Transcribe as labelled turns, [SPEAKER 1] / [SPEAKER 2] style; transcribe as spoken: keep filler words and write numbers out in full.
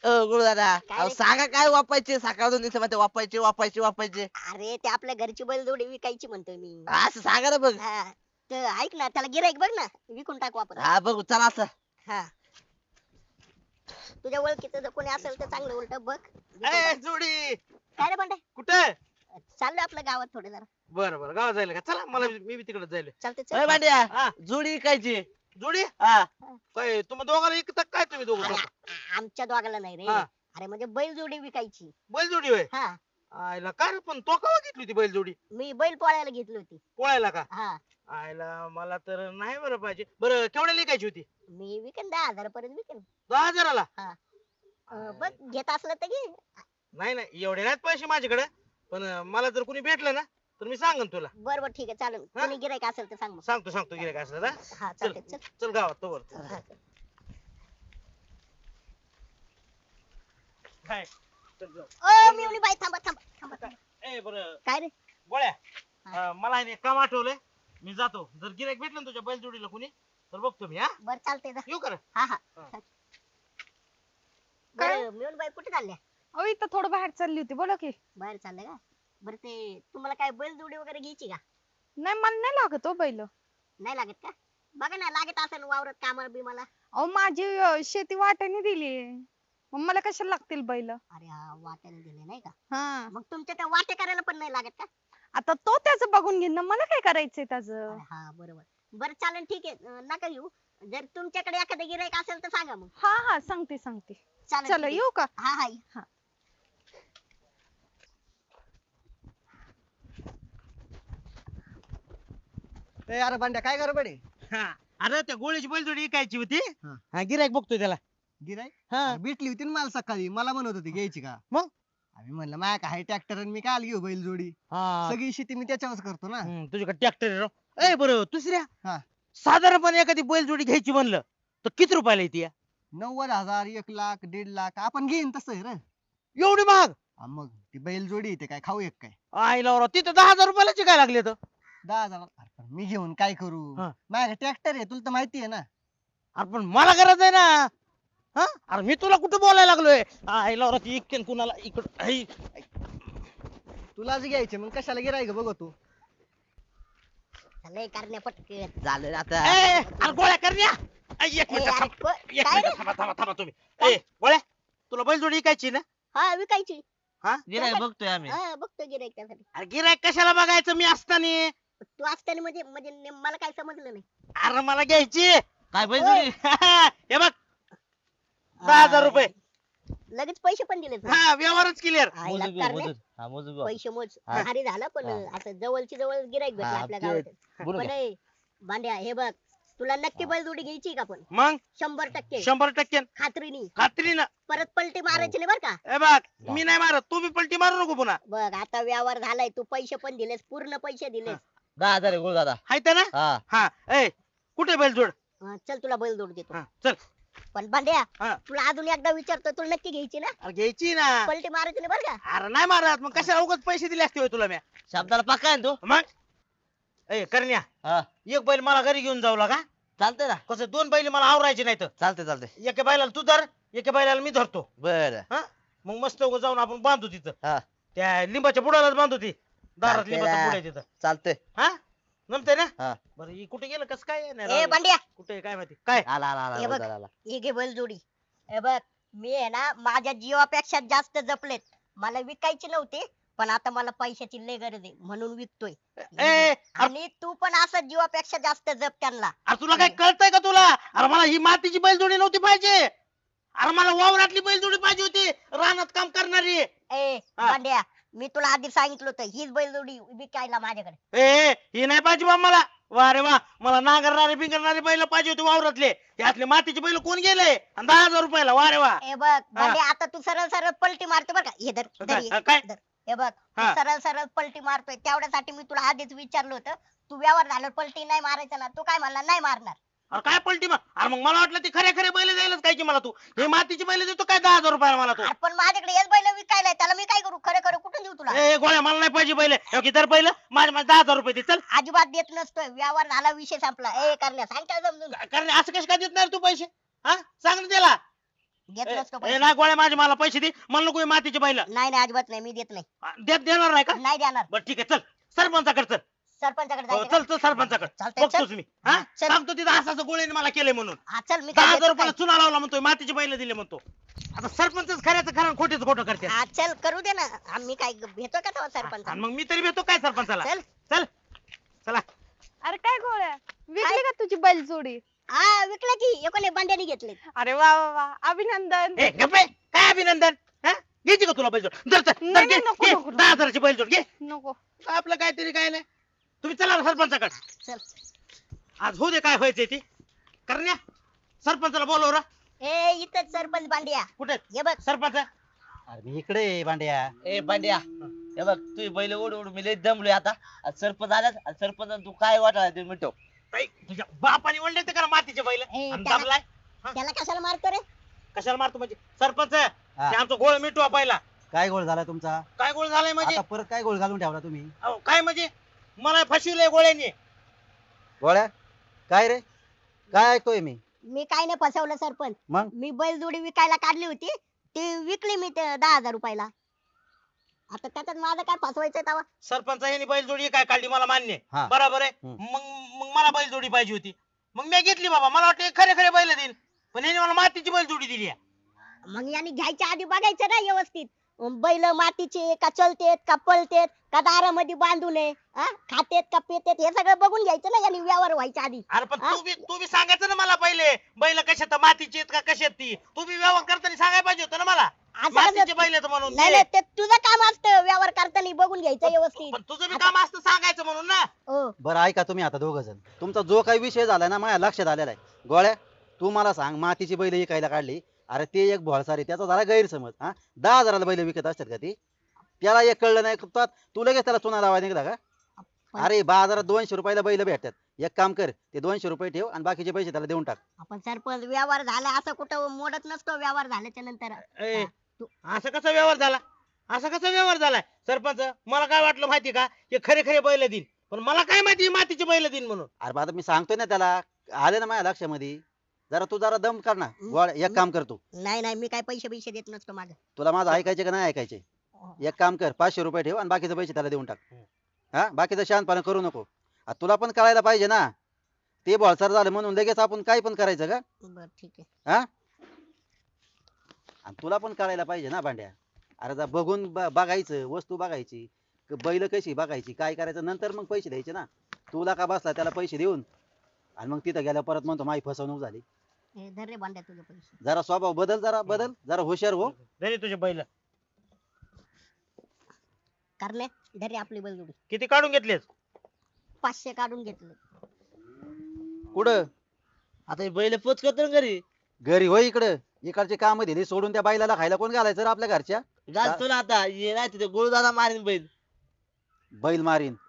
[SPEAKER 1] गुरुदादा
[SPEAKER 2] काय
[SPEAKER 1] अहो
[SPEAKER 2] रे?
[SPEAKER 1] सांगा काय वापायचे सकाळून दिवसा मध्ये वापायचे वापायचे वापायचे
[SPEAKER 2] अरे ते आपल्या घरची बैलजोडी विकायची म्हणतोय मी.
[SPEAKER 1] असं सांगा ना बघ
[SPEAKER 2] हा तर ऐक ना त्याला गिराईक बघ ना विकून टाकू आपण.
[SPEAKER 1] हा बघू चला असं
[SPEAKER 2] हा तुझ्या ओळखीचं जर कोणी असेल तर चांगलं उलट बघ विकून
[SPEAKER 3] ए
[SPEAKER 2] टाक.
[SPEAKER 3] जोडी
[SPEAKER 2] काय रे म्हणते
[SPEAKER 3] कुठे
[SPEAKER 2] चाललोय आपल्या गावात थोडे जरा.
[SPEAKER 3] बरं बरं गावात जायला का चला मला मी बी तिकडे जायला
[SPEAKER 2] चालते
[SPEAKER 1] अय
[SPEAKER 2] चल.
[SPEAKER 1] भांड्या
[SPEAKER 3] हा
[SPEAKER 1] जोडी विकायची
[SPEAKER 3] जोडी
[SPEAKER 1] हा
[SPEAKER 3] काय तुम्ही दोघाला एकता काय तुम्ही दोघं
[SPEAKER 2] अरे,
[SPEAKER 3] दोघं?
[SPEAKER 2] आमच्या दोघाला नाही रे.
[SPEAKER 3] हा.
[SPEAKER 2] अरे म्हणजे बैलजोडी विकायची.
[SPEAKER 3] बैल जोडी होय
[SPEAKER 2] हा
[SPEAKER 3] आयला काय रे पण तो कवा घेतली होती बैल जोडी
[SPEAKER 2] मी बैल पोळायला घेतली होती.
[SPEAKER 3] पोळायला का
[SPEAKER 2] हा
[SPEAKER 3] आयला मला तर नाही बरं पाहिजे बरं केवढ्या लिकायची होती
[SPEAKER 2] मी विकेन दहा हजार पर्यंत विकेन.
[SPEAKER 3] दहा हजाराला
[SPEAKER 2] अं, बघ घेत असलं तर घे.
[SPEAKER 3] नाही नाही एवढे नाहीत पैसे माझ्याकडे पण अं, मला जर कोणी भेटलं ना तर मी सांगन तुला
[SPEAKER 2] बर बर ठीक आहे चालेल
[SPEAKER 3] हा?
[SPEAKER 2] कोणी गिराईक असेल तर सांग मग.
[SPEAKER 3] सांगतो सांगतो गिऱ्हाईक असलं ना
[SPEAKER 2] हा
[SPEAKER 3] चल
[SPEAKER 2] चालते चल.
[SPEAKER 3] चल गावात तोवर
[SPEAKER 2] हा.
[SPEAKER 3] काय चल जाऊ.
[SPEAKER 2] ओ मिवणी बाई थांबा थांबा थांबा थांबा.
[SPEAKER 3] ए बरं
[SPEAKER 2] काय रे
[SPEAKER 3] गोळ्या
[SPEAKER 2] हा.
[SPEAKER 3] अं, मला आहे ना एक काम आठवलंय मी जातो जर गिऱ्हाईक भेटलं ना तुझ्या बैल जोडीला कोणी तर बघतो मी हा
[SPEAKER 2] बर चालते जा.
[SPEAKER 3] येऊ कर
[SPEAKER 2] हा हा
[SPEAKER 3] हा.
[SPEAKER 4] काय?
[SPEAKER 2] बरं मिळून बाई कुठे चालल्या
[SPEAKER 4] अहो इथं थोडं बाहेर चालली होती बोला की.
[SPEAKER 2] बाहेर चालल्या का बरं ते तुम्हाला काय बैलजोडी वगैरे घ्यायची का
[SPEAKER 4] नाही मला नाही लागत हो बैल.
[SPEAKER 2] नाही लागत का बघा ना लागत असेल वावरात कामाला बी मला.
[SPEAKER 4] अहो माझी अं, शेती वाट्याने दिली मग मला कशाला लागतील बैल.
[SPEAKER 2] अरे हा वाट्याने दिले नाही का
[SPEAKER 4] हा
[SPEAKER 2] मग तुमच्या त्या वाटे करायला पण नाही लागत का.
[SPEAKER 4] आता तो त्याचं बघून घेईन ना मला काय करायचंय त्याचं.
[SPEAKER 2] अरे हा बरोबर बरं चालेल ठीक आहे अं, नका येऊ जर तुमच्याकडे एखादं गिराईक असेल तर सांगा मग.
[SPEAKER 4] हा हा सांगते सांगते.
[SPEAKER 2] चालेल
[SPEAKER 4] चला
[SPEAKER 2] ठीक आहे.
[SPEAKER 4] येऊ का.
[SPEAKER 2] हा हा ये.
[SPEAKER 4] हा
[SPEAKER 5] ए अरे भांड्या काय कर बडे
[SPEAKER 3] हा अरे त्या गोळ्याची बैल जोडी विकायची होती
[SPEAKER 5] हा.
[SPEAKER 3] हा गिऱ्हाईक बघतोय त्याला
[SPEAKER 5] गिराय
[SPEAKER 3] हा
[SPEAKER 5] भेटली होती ना मला सकाळी मला म्हणत होती घ्यायची का
[SPEAKER 3] मग?
[SPEAKER 5] आम्ही म्हणलं माया काय ट्रॅक्टर मी काल घेऊ बैल जोडी
[SPEAKER 3] हा
[SPEAKER 5] सगळी शेती मी त्याच्यावरच करतो ना
[SPEAKER 3] हम्म, तुझ्याकडे ट्रॅक्टर आहे राव. ए बरं दुसऱ्या
[SPEAKER 5] हा.
[SPEAKER 3] साधारणपणे एखादी बैल जोडी घ्यायची म्हणलं तर किती रुपयाला येते या?
[SPEAKER 5] नव्वद हजार एक लाख दीड लाख आपण घेईन तसं आहे रे
[SPEAKER 3] एवढी महाग
[SPEAKER 5] हा मग ती बैल जोडी येते काय खाऊ एक काय
[SPEAKER 3] आईला राव तिथं दहा हजार रुपयाला काय लागले तर
[SPEAKER 5] दहा हजार अरे पण मी घेऊन काय करू
[SPEAKER 3] हा.
[SPEAKER 5] माझ्या ट्रॅक्टर आहे तुला तर माहिती आहे ना
[SPEAKER 3] अरे पण मला गरज आहे ना हा अरे मी तुला कुठं बोलायला लागलोय आईला राव ती इकडे कुणाला इकडं
[SPEAKER 5] तुलाच घ्यायचे मग कशाला गिराय बघ तू
[SPEAKER 2] लय करण्या पटकन.
[SPEAKER 1] झालं ना आता
[SPEAKER 3] अरे गोळ्या करण्या ऐ, एक
[SPEAKER 2] ए,
[SPEAKER 3] मिनिट
[SPEAKER 2] अरे,
[SPEAKER 3] थांब
[SPEAKER 2] प-
[SPEAKER 3] एक
[SPEAKER 2] काय रे
[SPEAKER 3] मिनिट थांबा थांबा थांबा तुम्ही ए गोळ्या तुला बैल जोडी विकायची ना
[SPEAKER 2] हा विकायची
[SPEAKER 3] हा
[SPEAKER 1] गिऱ्हाईक बघतोय आम्ही
[SPEAKER 2] हा बघतो गिराईक त्यासाठी.
[SPEAKER 3] अरे गिऱ्हाईक कशाला बघायचं मी असताना
[SPEAKER 2] तू असताना म्हणजे म्हणजे नेम- मला काय समजलं नाही.
[SPEAKER 3] अरे मला घ्यायची
[SPEAKER 1] काय बैल जोडी
[SPEAKER 3] हे बघ दहा हजार रुपये
[SPEAKER 2] लगेच पैसे पण दिले तू.
[SPEAKER 3] हा व्यवहारच क्लिअर
[SPEAKER 2] आईला
[SPEAKER 1] मोजून घेऊ,
[SPEAKER 2] करण्या.
[SPEAKER 1] मोजून. हा मोजून घेऊ.
[SPEAKER 2] पैसे मोज
[SPEAKER 1] हा.
[SPEAKER 2] भारी झालं पण
[SPEAKER 1] हा.
[SPEAKER 2] असं जवळची जवळ गिराईक भेटलं
[SPEAKER 1] हा,
[SPEAKER 2] आपल्या
[SPEAKER 1] ते-
[SPEAKER 2] गावात.
[SPEAKER 1] बोलू
[SPEAKER 2] पण
[SPEAKER 1] का?
[SPEAKER 2] ए, भांड्या हे बघ तुला नक्की बैलजोडी घ्यायची का पण
[SPEAKER 3] मग
[SPEAKER 2] शंभर टक्के
[SPEAKER 3] शंभर टक्के
[SPEAKER 2] खात्रीनी
[SPEAKER 3] खात्रीनं
[SPEAKER 2] परत पलटी मारायची नाही बर का.
[SPEAKER 3] ए बघ मी नाही मारत तू बी पलटी मारू नको पुन्हा
[SPEAKER 2] बघ आता व्यवहार झालाय तू पैसे पण दिलेस पूर्ण पैसे दिलेस.
[SPEAKER 1] दहा हजार आहे गुरुदादा
[SPEAKER 3] हाय ना
[SPEAKER 1] हा
[SPEAKER 3] हा ए कुठे बैल जोड
[SPEAKER 2] हा, चल तुला बैलजोड देतो
[SPEAKER 3] हा चल
[SPEAKER 2] पण भांड्या
[SPEAKER 3] हा.
[SPEAKER 2] तुला अजून एकदा विचारतो तुला नक्की घ्यायची ना
[SPEAKER 3] अरे घ्यायची ना
[SPEAKER 2] पलटी मारायची नाही बर का.
[SPEAKER 3] अरे नाही मारत मग कशाला उगाच पैसे दिले असते होय तुला मी
[SPEAKER 1] शब्दाला पक्का आहे ना तू
[SPEAKER 3] मग ए करण्या
[SPEAKER 1] हा
[SPEAKER 3] एक बैल मला घरी घेऊन जाऊ लागा
[SPEAKER 1] चालतंय ना
[SPEAKER 3] कसं दोन बैल मला आवरायचे नाहीत
[SPEAKER 1] चालतंय चालतंय
[SPEAKER 3] एका बैलाला तू धर एका बैलाला मी धरतो
[SPEAKER 1] बर
[SPEAKER 3] हा मग मस्त उगाच जाऊन आपण बांधू तिथं
[SPEAKER 1] हा
[SPEAKER 3] त्या लिंबाच्या बुडालाच बांधू ती दारात
[SPEAKER 1] चालतंय
[SPEAKER 3] लिंबाचं
[SPEAKER 1] ना.
[SPEAKER 3] बुड आहे तिथं
[SPEAKER 1] चालतंय
[SPEAKER 3] हा जमतंय ना
[SPEAKER 1] हा
[SPEAKER 3] बरं ही कुठे गेलं कसं काय नाही
[SPEAKER 2] ए
[SPEAKER 3] राव.
[SPEAKER 2] भांड्या
[SPEAKER 3] कुठे आहे काय माहिती काय
[SPEAKER 1] आला आला आला
[SPEAKER 2] हे बघ.
[SPEAKER 1] गुरुदादा आला.
[SPEAKER 2] हे घे बैलजोडी हे बघ मी आहे ना माझ्या जीवापेक्षा जास्त जपलेत मला विकायची नव्हती पण आता मला पैशाची लय गरज आहे म्हणून विकतोय.
[SPEAKER 3] ए अरे
[SPEAKER 2] आणि तू पण असं जीवापेक्षा जास्त जप त्यांना.
[SPEAKER 3] अरे तुला काय कळतंय का तुला अरे मला ही मातीची बैलजोडी नव्हती पाहिजे अरे मला वावरातली बैलजोडी पाहिजे होती रानात काम करणारी
[SPEAKER 2] ए
[SPEAKER 3] हा.
[SPEAKER 2] भांड्या मी तुला आधी सांगितलं होतं हीच बैलजोडी विकायला माझ्याकडे.
[SPEAKER 3] ए ही नाही पाहिजे बा मला वा रे वा मला नांगरणारे बिंगरणारे बैल पाहिजे होते वावरातले यातले मातीचे बैल कोण गेले आणि दहा हजार रुपयाला वा रे वा
[SPEAKER 2] ए बघ भांड्या आता तू सरळ सरळ पलटी मारतो बरं का हे धर धर
[SPEAKER 3] काय
[SPEAKER 2] हे,
[SPEAKER 3] काय?
[SPEAKER 2] धर. हे बघ तू
[SPEAKER 3] हा.
[SPEAKER 2] सरळ सरळ पलटी मारतोय तेवढ्यासाठी मी तुला आधीच विचारलं होतं तू व्यवहार झाल्यावर पलटी नाही मारायचं ना तू काय म्हणला नाही मारणार.
[SPEAKER 3] अरे काय पलटी मग अरे मग मला वाटलं ती खरे खरे बैल जायलाच काय की मला तू हे मातीची बैल देतो काय दहा हजार रुपयाला मला तू
[SPEAKER 2] अरे पण माझ्याकडे हेच बैल विकायला आहे, त्याला मी काय करू खरं खरं कुठून देऊ तुला.
[SPEAKER 3] ए गोळ्या मला नाही पाहिजे बैल तर बैल माझ्या माझ्या दहा हजार रुपये दे चल
[SPEAKER 2] अजिबात देत नसतोय व्यवहार झाला विषय संपला. ए करण्या सांग काय समजून.
[SPEAKER 3] कारण असं कसं काय देत नाही रे तू पैसे हा सांग ना त्याला
[SPEAKER 2] देत
[SPEAKER 3] ए,
[SPEAKER 2] नसतो
[SPEAKER 3] ए,
[SPEAKER 2] पैसे.
[SPEAKER 3] नाही गोळ्या माझे मला पैसे दे, मला नको हे मातीचे बैल.
[SPEAKER 2] नाही नाही अजिबात नाही, मी देत नाही.
[SPEAKER 3] देत देणार नाही का?
[SPEAKER 2] नाही देणार.
[SPEAKER 3] बरं ठीक आहे, चल सरपंचाकडे चल.
[SPEAKER 2] सरपंचाकडे
[SPEAKER 3] हो,
[SPEAKER 2] जायचं
[SPEAKER 3] चल
[SPEAKER 2] का?
[SPEAKER 3] चल सरपंचाकडे.
[SPEAKER 2] चालतंय,
[SPEAKER 3] बघतोच
[SPEAKER 2] चल.
[SPEAKER 3] मी. हा
[SPEAKER 2] चल.
[SPEAKER 3] सांगतो तिथं असं असं गोळ्याने मला केलंय म्हणून.
[SPEAKER 2] हा चल, मी
[SPEAKER 3] दहा
[SPEAKER 2] काय
[SPEAKER 3] हजार
[SPEAKER 2] देतो
[SPEAKER 3] रुपयाला
[SPEAKER 2] काय?
[SPEAKER 3] चुना लावला म्हणतोय, मातीचे बैल दिले म्हणतो. आता सरपंचच खऱ्याचं खरं आणि खोटेच खोटं करते.
[SPEAKER 2] हा चल करू दे ना, आम्ही काय भेटतो का तेव्हा सरपंच?
[SPEAKER 3] आणि मग मी तरी भेटतो काय सरपंचाला?
[SPEAKER 2] चल.
[SPEAKER 3] चल चला.
[SPEAKER 4] अरे काय गोळ्या विकली का तुझी बैलजोडी?
[SPEAKER 2] हा विकलं की एकोणे बांड्याने घेतले.
[SPEAKER 4] अरे वा वा वा अभिनंदन.
[SPEAKER 3] ए गप्पे, काय अभिनंदन? हा? घ्यायची का तुला बैलजोड? जर चल,
[SPEAKER 4] नाही,
[SPEAKER 3] जर घे,
[SPEAKER 4] नाही, नको,
[SPEAKER 3] घे.
[SPEAKER 4] नको, नको.
[SPEAKER 3] दहा हजाराची बैलजोड घे.
[SPEAKER 4] नको.
[SPEAKER 3] आपलं काहीतरी काय नाही. तुम्ही चला ना सरपंचाकडे.
[SPEAKER 2] चल.
[SPEAKER 3] आज होऊ दे काय व्हायचंय ते. करण्या सरपंचाला बोलव रा.
[SPEAKER 2] ए इथं सरपंच बांडिया
[SPEAKER 3] कुठे
[SPEAKER 2] हे बघ.
[SPEAKER 3] सरपंच?
[SPEAKER 5] अरे मी इकडे आहे, भांड्या.
[SPEAKER 1] ए पांड्या हे बघ तू बैल ओढ ओढ मी लय दमलोय आता आज सरपंच आलास आणि सरपंच तू काय वाटायला ते मिटव.
[SPEAKER 3] ऐ, तुझ्या बापाने ओढले ते का मातीचे बैल?
[SPEAKER 2] ए,
[SPEAKER 3] आणि
[SPEAKER 2] त्याला-
[SPEAKER 3] दाबलाय?
[SPEAKER 2] त्याला कशाला मारतो रे?
[SPEAKER 3] कशाला मारतो म्हणजे? सरपंच ते आमचं गोळ मिटवा पहिला.
[SPEAKER 5] काय गोळ झाला तुमचा?
[SPEAKER 3] काय गोळ झालाय म्हणजे?
[SPEAKER 5] आता परत काय गोळ घालून ठेवला तुम्ही?
[SPEAKER 3] अहो, काय म्हणजे मला फसविलंय गोळ्याने.
[SPEAKER 5] गोळ्या काय रे? काय ऐकतोय मी?
[SPEAKER 2] मी काय नाही फसवलं सरपंच.
[SPEAKER 5] मग
[SPEAKER 2] मी बैलजोडी विकायला काढली होती, ती विकली मी ते दहा हजार रुपयाला. आता त्याच्यात माझं काय फसवायचंय तेव्हा?
[SPEAKER 3] सरपंच यांनी बैल जोडी काय काढली मला मान्य आहे.
[SPEAKER 5] हा.
[SPEAKER 3] बरोबर आहे.
[SPEAKER 5] हम्म.
[SPEAKER 3] मग मग मला बैल जोडी पाहिजे होती, मग मी घेतली बाबा. मला वाटतं हे खरे खरे बैल देईल, पण यांनी मला मातीची बैल जोडी दिली आहे.
[SPEAKER 2] मग याने घ्यायच्या आधी बघायचं ना व्यवस्थित, बैल मातीचे का चलतेत का पळतेत का दारामध्ये बांधून आहे, हा? खातेत का पेतेत हे सगळं बघून घ्यायचं ना यांनी व्यवहार व्हायच्या आधी.
[SPEAKER 3] अरे पण
[SPEAKER 2] हा?
[SPEAKER 3] तू बी तू बी सांगायचं ना मला पहिले, बैल कशात मातीची आहेत का कशात ती. तू बी व्यवहार करताना सांगायला पाहिजे होतं ना मला
[SPEAKER 2] असं
[SPEAKER 3] मातीचे
[SPEAKER 2] कसं-
[SPEAKER 3] बैल आहेत म्हणून.
[SPEAKER 2] नाही नाही, ते तुझं काम असतं व्यवहार करताना बघून घ्यायचं व्यवस्थित.
[SPEAKER 3] पण तुझं बी काम असतं सांगायचं म्हणून ना.
[SPEAKER 2] हो.
[SPEAKER 5] बरं ऐका तुम्ही आता दोघ जण, तुमचा जो काही विषय झाला ना माझ्या लक्षात आलेला आहे. गोळ्या तू मला सांग, मातीची बैल विकायला काढली, अरे ते एक भोळसारी, त्याचा झाला गैरसमज. हा दहा हजाराला बैल विकत असतात का ती? त्याला एक कळलं नाही का तू लगेच त्याला चुना लावा निघला का? अरे बाजारात दोनशे रुपयाला बैल भेटतात. एक काम कर, ते दोनशे रुपये ठेव आणि बाकीचे पैसे त्याला देऊन टाक.
[SPEAKER 2] आपण सरपंच व्यवहार झाला असं कुठं मोडत नसतो व्यवहार झाल्याच्या नंतर.
[SPEAKER 3] ए,
[SPEAKER 2] हा, तू-
[SPEAKER 3] असं कसा व्यवहार झाला? असा कसा व्यवहार झालाय सरपंच? मला काय वाटलं माहिती का, हे खरे खरे बैल देईन, पण मला काय माहिती हे मातीचे बैल देईन म्हणून.
[SPEAKER 5] अरे बा आता मी सांगतोय ना त्याला, आले ना माझ्या लक्षामध्ये. जरा तू जरा दम कर ना गोळ्या. एक काम कर तू,
[SPEAKER 2] नाही नाही, मी काय पैसे पैसे देत नसतो माझं.
[SPEAKER 5] तुला माझं ऐकायचे का नाही ऐकायचे? एक काम कर, पाचशे रुपये ठेव आणि बाकीचे पैसे त्याला देऊन टाक. हा बाकीचं शांतपणा करू नको. आ, तुला पण कळायला पाहिजे ना, ते बॉलसर झालं म्हणून लगेच आपण काय पण करायचं का?
[SPEAKER 2] बर ठीक आहे.
[SPEAKER 5] हा आणि तुला पण कळायला पाहिजे ना भांड्या. अरे जा बघून ब- बघायचं, वस्तू बघायची, क- बैल कशी बघायची, काय करायचं, नंतर मग पैसे द्यायचे ना. तुला का बसला त्याला पैसे देऊन आणि मग तिथं गेल्या परत म्हणतो माझी फसवणूक झाली.
[SPEAKER 2] हे धर रे बांड्या तुझे पैसे.
[SPEAKER 5] जरा स्वभाव बदल, जरा बदल, जरा हुशार हो.
[SPEAKER 3] जरी तुझे बैल
[SPEAKER 2] करणे धर रे आपली बैलजोडी.
[SPEAKER 3] किती काढून घेतलेस?
[SPEAKER 2] पाचशे काढून घेतले.
[SPEAKER 5] कुठं?
[SPEAKER 1] आता हे बैल पोच करतो ना घरी
[SPEAKER 5] घरी होय. इकडं इकडचे काम दिली सोडून त्या बैलाला खायला कोण घालायचं रे आपल्या घरच्या?
[SPEAKER 1] घालतो ना आता ये नाही तिथे गोळदादा मारीन बैल.
[SPEAKER 5] बैल मारीन